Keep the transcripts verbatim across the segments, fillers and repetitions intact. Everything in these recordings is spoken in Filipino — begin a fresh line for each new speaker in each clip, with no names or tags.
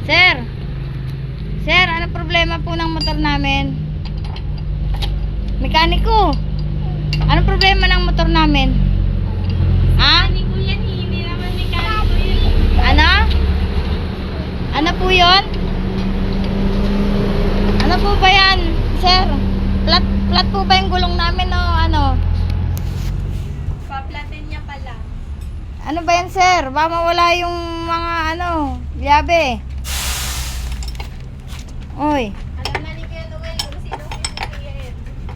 Sir! Sir, ano problema po ng motor namin? Mekaniko! Ano problema ng motor namin? Ha?
Mekaniko yan, hindi naman mekaniko yun.
Ano? Ano po yun? Ano po ba yan, sir? Flat, flat po ba yung gulong namin o ano?
Paplatin niya pala.
Ano ba yan, sir? Baka mawala yung mga ano, liabe. Oy.
Alam na ni Kuya Noel kung sino sisisihin.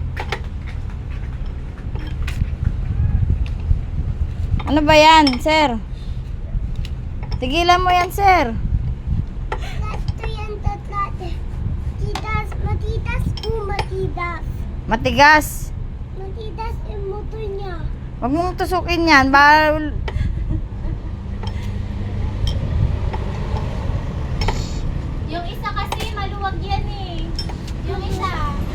Ano ba yan, sir? Tigilan mo yan, sir.
Gusto yan tatlate. Matitas, matitas po, matitas.
Matigas.
Matitas yung motor niya.
Huwag mong tusukin yan. Bawal.
Yung isa kasi maluwag yan eh. Yung isa.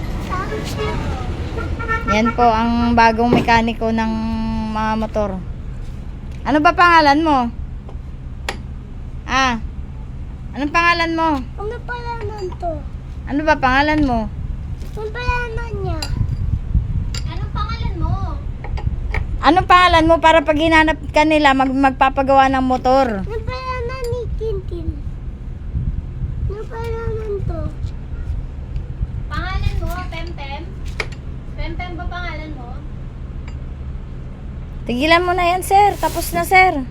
Yan po ang bagong mekaniko ng mga motor. Ano ba pangalan mo? Ah. Anong pangalan mo?
Ano pala nun to?
Ano ba pangalan mo?
Ano pala nun niya?
Anong pangalan mo?
Anong pangalan mo para pag hinanap ka nila mag magpapagawa ng motor?
Ano pala nun ni Tintin? Ano pala nun to?
Pangalan mo, Pempem? Pempem ba pangalan mo?
Tigilan mo na yan, sir. Tapos na, sir.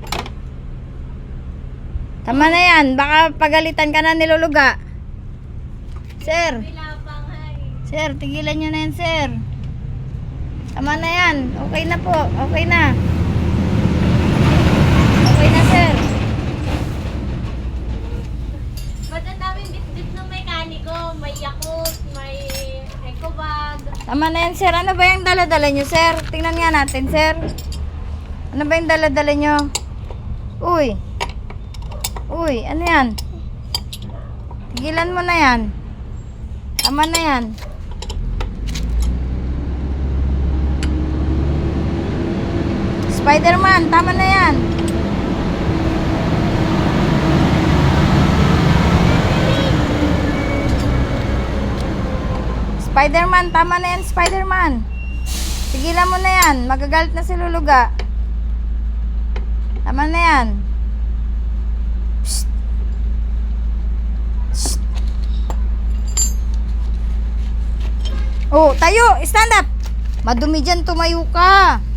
Tama na yan. Baka pagalitan ka na niluluga. Sir.
Bilapang hay.
Sir, tigilan nyo na yan, sir. Tama na yan. Okay na po. Okay na. Okay na, sir.
Ba't ang daming bit-bit ng mekaniko? May Yakult, may Ecobag.
Tama na yan, sir. Ano ba yung dala-dala nyo, sir? Tingnan nga natin, sir. Ano ba yung dala-dala nyo? Uy. Uy, ano yan? Tigilan mo na yan. Tama na yan. Spider-Man, tama na yan. Spider-Man, tama na yan, Spider-Man. Tigilan mo na yan. Magagalit na si Luluga. Tama na yan. Psst. Psst. Oh, tayo. Stand up. Madumi dyan, tumayo ka.